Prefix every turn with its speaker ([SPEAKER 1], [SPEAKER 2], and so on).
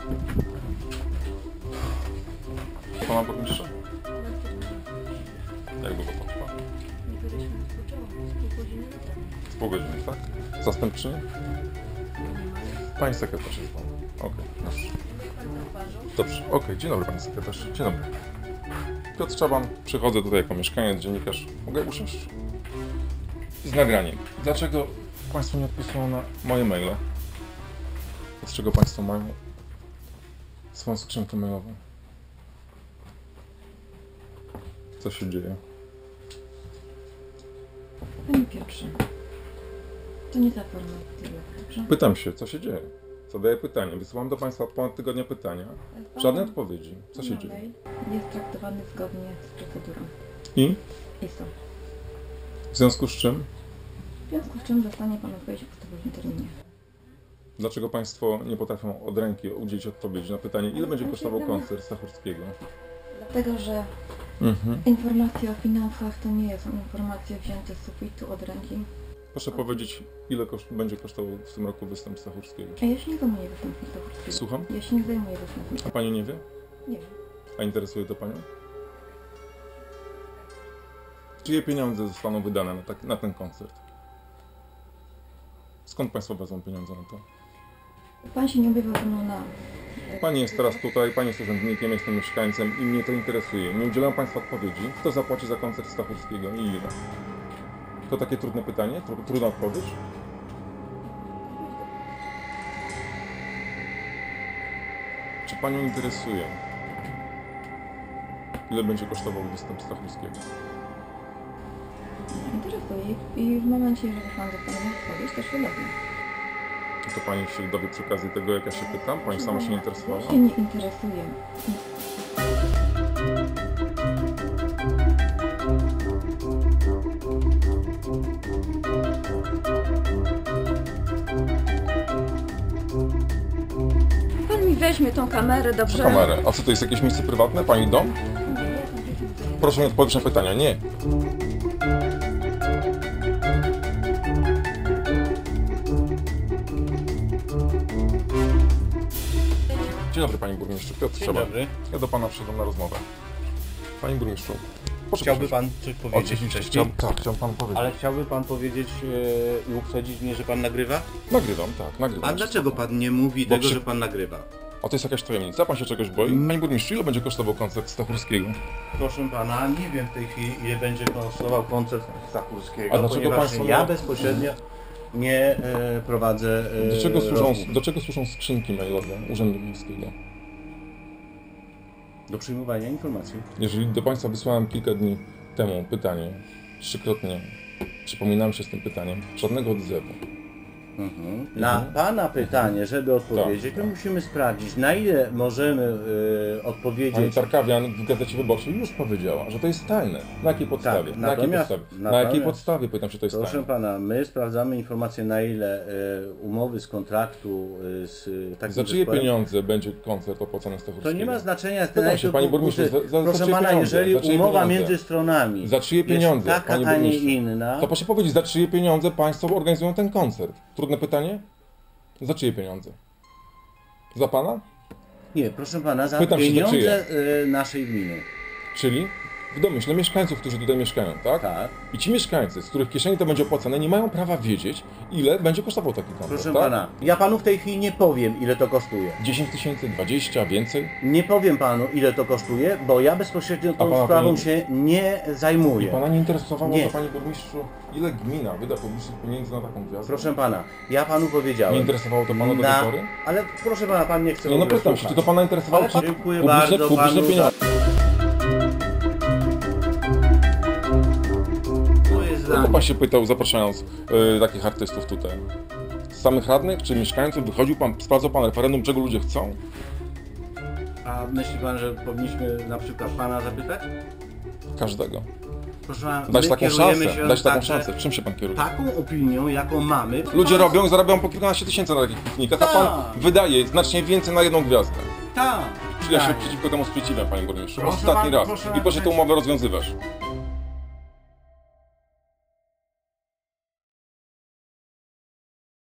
[SPEAKER 1] Pana burmistrza? Jak długo potrwa? Z pół godziny, tak? Zastępczyni? Pani sekretarz jest pan. Okej, proszę. Dobrze, okej, dzień dobry pani sekretarz. Dzień dobry. Piotr Czaban, przychodzę tutaj jako mieszkaniec, dziennikarz. Mogę usiąść? Z nagraniem. Dlaczego państwo nie odpisują na moje maile? Dlaczego państwo mają swoją skrzynkę mailową? Co się dzieje?
[SPEAKER 2] Panie Piotrze, to nie ta forma, dobrze?
[SPEAKER 1] Pytam się, co się dzieje? Zadaję pytanie. Wysyłam do państwa od ponad tygodnia pytania. Żadnej odpowiedzi. Co się dzieje?
[SPEAKER 2] Jest traktowany zgodnie z procedurą.
[SPEAKER 1] I?
[SPEAKER 2] ISO.
[SPEAKER 1] W związku z czym?
[SPEAKER 2] W związku z czym dostanie Pan odpowiedź w ustawowym terminie.
[SPEAKER 1] Dlaczego państwo nie potrafią od ręki udzielić odpowiedzi na pytanie, ile będzie kosztował koncert Stachurskiego?
[SPEAKER 2] Dlatego, że informacje o finansach to nie są informacje wzięte z sufitu od ręki.
[SPEAKER 1] Proszę powiedzieć, ile będzie kosztował w tym roku występ Stachurskiego?
[SPEAKER 2] A ja się nie zajmuję występem Stachurskiego.
[SPEAKER 1] Słucham?
[SPEAKER 2] Ja się nie zajmuję występem.
[SPEAKER 1] A pani nie wie?
[SPEAKER 2] Nie wiem.
[SPEAKER 1] A interesuje to panią? Czyje pieniądze zostaną wydane na ten koncert? Skąd państwo wezmą pieniądze na to?
[SPEAKER 2] Pan się nie objawiał ze mną na...
[SPEAKER 1] Pani jest teraz tutaj, pani jest urzędnikiem, jestem mieszkańcem i mnie to interesuje. Nie udzielam państwu odpowiedzi. Kto zapłaci za koncert Stachurskiego i ile? To takie trudne pytanie? Trudna odpowiedź? Czy panią interesuje, ile będzie kosztował występ Stachurskiego?
[SPEAKER 2] Interesuje i w momencie, jeżeli Pan dostanie odpowiedź, to się dowie.
[SPEAKER 1] To pani się dowie przy okazji tego, jak ja się pytam? Pani sama się nie interesowała?
[SPEAKER 2] Ja się nie interesuję. Pan mi weźmie tą kamerę, dobrze?
[SPEAKER 1] Kamerę. A co to jest jakieś miejsce prywatne? Pani dom? Proszę mi odpowiedzieć na pytania. Nie. Dzień dobry panie burmistrzu. Piotr
[SPEAKER 3] Dzień
[SPEAKER 1] Czaban.
[SPEAKER 3] dobry.
[SPEAKER 1] Ja do pana przyszedłem na rozmowę. Panie burmistrzu, proszę
[SPEAKER 3] Chciałby
[SPEAKER 1] przyjść.
[SPEAKER 3] pan coś powiedzieć
[SPEAKER 1] Oczywiście,
[SPEAKER 3] wcześniej?
[SPEAKER 1] chciałem panu powiedzieć.
[SPEAKER 3] Ale chciałby pan powiedzieć i uprzedzić mnie, że pan nagrywa?
[SPEAKER 1] Nagrywam, tak, nagrywam.
[SPEAKER 3] A dlaczego pan nie mówi
[SPEAKER 1] Bo
[SPEAKER 3] tego,
[SPEAKER 1] przy-
[SPEAKER 3] że pan nagrywa?
[SPEAKER 1] O, to jest jakaś tajemnica? Pan się czegoś boi? Panie burmistrzu, ile będzie kosztował koncert Stachurskiego?
[SPEAKER 3] Proszę pana, nie wiem w tej chwili, ile będzie kosztował koncert Stachurskiego,
[SPEAKER 1] A dlaczego
[SPEAKER 3] ponieważ
[SPEAKER 1] państwo
[SPEAKER 3] ja
[SPEAKER 1] nie-
[SPEAKER 3] bezpośrednio nie prowadzę
[SPEAKER 1] Do czego służą skrzynki mailowe Urzędu Miejskiego?
[SPEAKER 3] do przyjmowania informacji.
[SPEAKER 1] Jeżeli do państwa wysłałem kilka dni temu pytanie, trzykrotnie przypominałem się z tym pytaniem, żadnego odzewu.
[SPEAKER 3] Na pana pytanie, żeby odpowiedzieć,
[SPEAKER 1] Tak.
[SPEAKER 3] to musimy sprawdzić, na ile możemy
[SPEAKER 1] Pani
[SPEAKER 3] odpowiedzieć.
[SPEAKER 1] Tarkawian w Gazecie Wyborczej już powiedziała, że to jest tajne. Na jakiej podstawie?
[SPEAKER 3] Tak,
[SPEAKER 1] Na jakiej
[SPEAKER 3] natomiast-
[SPEAKER 1] podstawie? Na jakiej
[SPEAKER 3] natomiast-
[SPEAKER 1] podstawie? Pytam się, to jest
[SPEAKER 3] Proszę
[SPEAKER 1] tajne.
[SPEAKER 3] pana, my sprawdzamy informacje, na ile umowy z kontraktu z takim
[SPEAKER 1] Za czyje
[SPEAKER 3] zespołem.
[SPEAKER 1] pieniądze będzie koncert opłacony z
[SPEAKER 3] To
[SPEAKER 1] Stachurskiego?
[SPEAKER 3] nie ma znaczenia.
[SPEAKER 1] Pytam się, panie burmistrzu, za
[SPEAKER 3] proszę
[SPEAKER 1] czyje
[SPEAKER 3] pana,
[SPEAKER 1] pieniądze?
[SPEAKER 3] jeżeli
[SPEAKER 1] Za czyje
[SPEAKER 3] umowa
[SPEAKER 1] pieniądze?
[SPEAKER 3] między stronami
[SPEAKER 1] Za czyje
[SPEAKER 3] jest
[SPEAKER 1] pieniądze,
[SPEAKER 3] taka,
[SPEAKER 1] panie
[SPEAKER 3] a nie
[SPEAKER 1] burmistrzu?
[SPEAKER 3] inna,
[SPEAKER 1] To proszę powiedzieć, za czyje pieniądze państwo organizują ten koncert? Trudne pytanie? Za czyje pieniądze? Za pana?
[SPEAKER 3] nie, proszę pana, za
[SPEAKER 1] Pytam się, za
[SPEAKER 3] pieniądze naszej gminy.
[SPEAKER 1] Czyli w domyśle mieszkańców, którzy tutaj mieszkają, tak?
[SPEAKER 3] Tak.
[SPEAKER 1] I ci mieszkańcy, z których kieszeni to będzie opłacane, nie mają prawa wiedzieć, ile będzie kosztował taki koncert,
[SPEAKER 3] Proszę
[SPEAKER 1] tak?
[SPEAKER 3] pana, ja panu w tej chwili nie powiem, ile to kosztuje.
[SPEAKER 1] 10 000, 20, więcej?
[SPEAKER 3] Nie powiem panu, ile to kosztuje, bo ja bezpośrednio tą
[SPEAKER 1] pana
[SPEAKER 3] sprawą
[SPEAKER 1] pani-
[SPEAKER 3] się nie zajmuję.
[SPEAKER 1] Pana nie interesowało
[SPEAKER 3] Nie.
[SPEAKER 1] to, panie burmistrzu, ile gmina wyda publicznych pieniędzy na taką gwiazdę?
[SPEAKER 3] Proszę pana, ja panu powiedziałem.
[SPEAKER 1] Nie interesowało to pana do tej pory?
[SPEAKER 3] Ale proszę pana, pan nie chce
[SPEAKER 1] Nie,
[SPEAKER 3] w
[SPEAKER 1] no
[SPEAKER 3] ogóle
[SPEAKER 1] pytam się,
[SPEAKER 3] słuchać.
[SPEAKER 1] czy to pana interesowało?
[SPEAKER 3] Ale dziękuję
[SPEAKER 1] publiczne,
[SPEAKER 3] bardzo
[SPEAKER 1] publiczne
[SPEAKER 3] panu
[SPEAKER 1] pieniądze. Kogo pan się pytał, zapraszając takich artystów tutaj? Z samych radnych czy mieszkańców? Wychodził pan, sprawdzał pan referendum, czego ludzie chcą?
[SPEAKER 3] A myśli pan, że powinniśmy na przykład pana zapytać?
[SPEAKER 1] Każdego.
[SPEAKER 3] Proszę pana,
[SPEAKER 1] Dać
[SPEAKER 3] my
[SPEAKER 1] taką
[SPEAKER 3] kierujemy
[SPEAKER 1] szansę,
[SPEAKER 3] się
[SPEAKER 1] dać taką
[SPEAKER 3] także
[SPEAKER 1] szansę. Czym się pan kieruje?
[SPEAKER 3] taką opinią, jaką mamy.
[SPEAKER 1] Ludzie robią, zarabiają po kilkanaście tysięcy na takich piknikach, a pan
[SPEAKER 3] Tak.
[SPEAKER 1] wydaje znacznie więcej na jedną gwiazdę.
[SPEAKER 3] Tak.
[SPEAKER 1] Czyli ja się
[SPEAKER 3] tak.
[SPEAKER 1] przeciwko temu sprzeciwiam, panie burmistrzu.
[SPEAKER 3] Proszę
[SPEAKER 1] Ostatni
[SPEAKER 3] bardzo,
[SPEAKER 1] raz.
[SPEAKER 3] proszę
[SPEAKER 1] I proszę tę
[SPEAKER 3] bardzo.
[SPEAKER 1] umowę rozwiązywać.